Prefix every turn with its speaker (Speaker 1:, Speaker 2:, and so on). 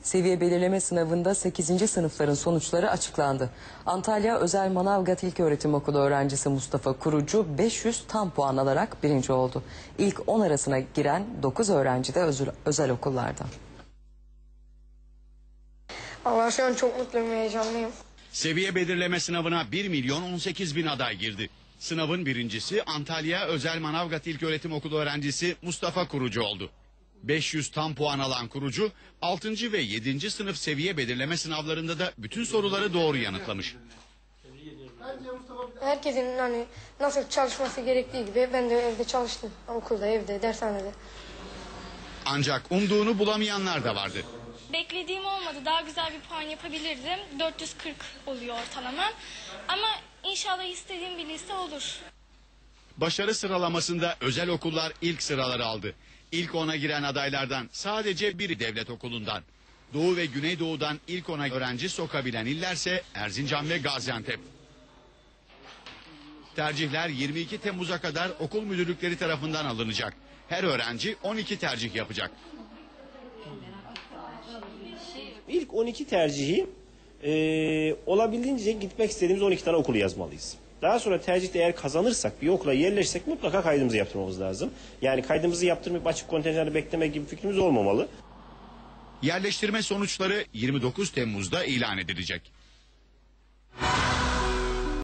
Speaker 1: Seviye belirleme sınavında 8. sınıfların sonuçları açıklandı. Antalya Özel Manavgat İlköğretim Okulu öğrencisi Mustafa Kurucu 500 tam puan alarak birinci oldu. İlk 10 arasına giren 9 öğrenci de özel okullardan.
Speaker 2: Allah, şu an çok mutluyum, heyecanlıyım.
Speaker 3: Seviye belirleme sınavına 1.018.000 aday girdi. Sınavın birincisi Antalya Özel Manavgat İlköğretim Okulu öğrencisi Mustafa Kurucu oldu. 500 tam puan alan Kurucu 6. ve 7. sınıf seviye belirleme sınavlarında da bütün soruları doğru yanıtlamış.
Speaker 2: Herkesin nasıl çalışması gerektiği gibi ben de evde çalıştım. Okulda, evde, dershanede.
Speaker 3: Ancak umduğunu bulamayanlar da vardı.
Speaker 4: Beklediğim olmadı. Daha güzel bir puan yapabilirdim. 440 oluyor ortalama. Ama inşallah istediğim bir lise olur.
Speaker 3: Başarı sıralamasında özel okullar ilk sıraları aldı. İlk 10'a giren adaylardan sadece biri devlet okulundan. Doğu ve Güneydoğu'dan ilk 10'a öğrenci sokabilen illerse Erzincan ve Gaziantep. Tercihler 22 Temmuz'a kadar okul müdürlükleri tarafından alınacak. Her öğrenci 12 tercih yapacak.
Speaker 5: İlk 12 tercihi olabildiğince gitmek istediğimiz 12 tane okulu yazmalıyız. Daha sonra tercihte eğer kazanırsak, bir okula yerleşsek mutlaka kaydımızı yaptırmamız lazım. Yani kaydımızı yaptırmayıp açık kontenjanı beklemek gibi fikrimiz olmamalı.
Speaker 3: Yerleştirme sonuçları 29 Temmuz'da ilan edilecek.